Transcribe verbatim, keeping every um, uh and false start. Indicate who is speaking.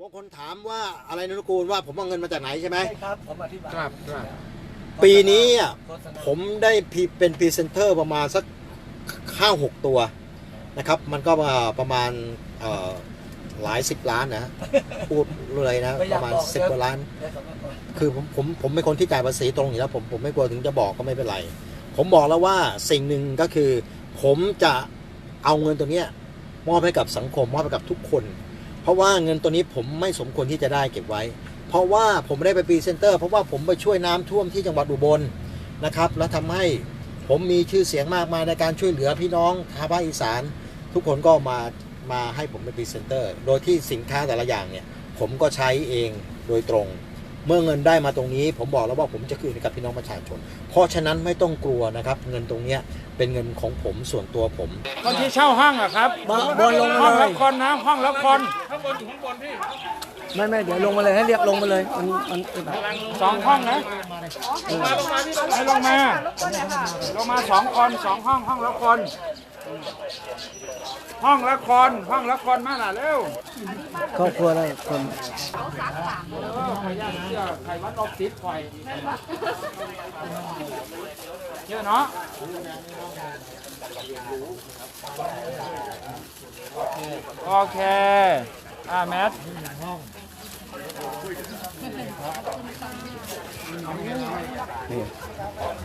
Speaker 1: บางคนถามว่าอะไรนุกูลว่าผมเอาเงินมาจากไหนใช่ไหม
Speaker 2: ใช่ครับผมอธิบาย
Speaker 3: ครับครับ
Speaker 1: ปีนี้ผมได้เป็นพรีเซนเตอร์ประมาณสักห้าหกตัวนะครับมันก็ประมาณหลายสิบล้านนะพูดเลยนะประมาณสิบกว่าล้านคือผมผมผมเป็นคนที่จ่ายภาษีตรงอยู่แล้วผมผมไม่กลัวถึงจะบอกก็ไม่เป็นไรผมบอกแล้วว่าสิ่งหนึ่งก็คือผมจะเอาเงินตัวนี้มอบให้กับสังคมมอบให้กับทุกคนเพราะว่าเงินตัวนี้ผมไม่สมควรที่จะได้เก็บไว้เพราะว่าผมไม่ได้ไปพรีเซนเตอร์เพราะว่าผมไปช่วยน้ำท่วมที่จังหวัดอุบลนะครับแล้วทำให้ผมมีชื่อเสียงมากมายในการช่วยเหลือพี่น้องชาวภาคอีสานทุกคนก็มามาให้ผมเป็นพรีเซนเตอร์โดยที่สินค้าแต่ละอย่างเนี่ยผมก็ใช้เองโดยตรงเมื่อเงินได้มาตรงนี้ผมบอกแล้วว่าผมจะคืนให้กับพี่น้องประชาชนเพราะฉะนั้นไม่ต้องกลัวนะครับเงินตรงนี้เป็นเงินของผมส่วนตัวผม
Speaker 3: คนที่เช่าห้องอะครับ
Speaker 2: บนลง
Speaker 3: ห้อง
Speaker 2: มาเล
Speaker 3: ละ
Speaker 2: ย
Speaker 3: คนนะห้องละคน
Speaker 4: ข้างบนอยู่ข้างบนพี่
Speaker 2: ไม่ไม่เดี๋ยวลงมาเลยให้เรียกลงมาเลยมันมันแบบ
Speaker 3: สองห้องนะ
Speaker 4: ลงมาลงมาพี่
Speaker 3: ให้ลงมาลงมาสองคนสองห้องห้องละคนห้องละคนห้องละคนมาล่ะเร็ว
Speaker 2: ครอบครัวอะไรคน
Speaker 3: เออขยันเชื่อไขวัดลบติดไฟเชื่อเนาะโอเคอ่าแมท
Speaker 2: นี่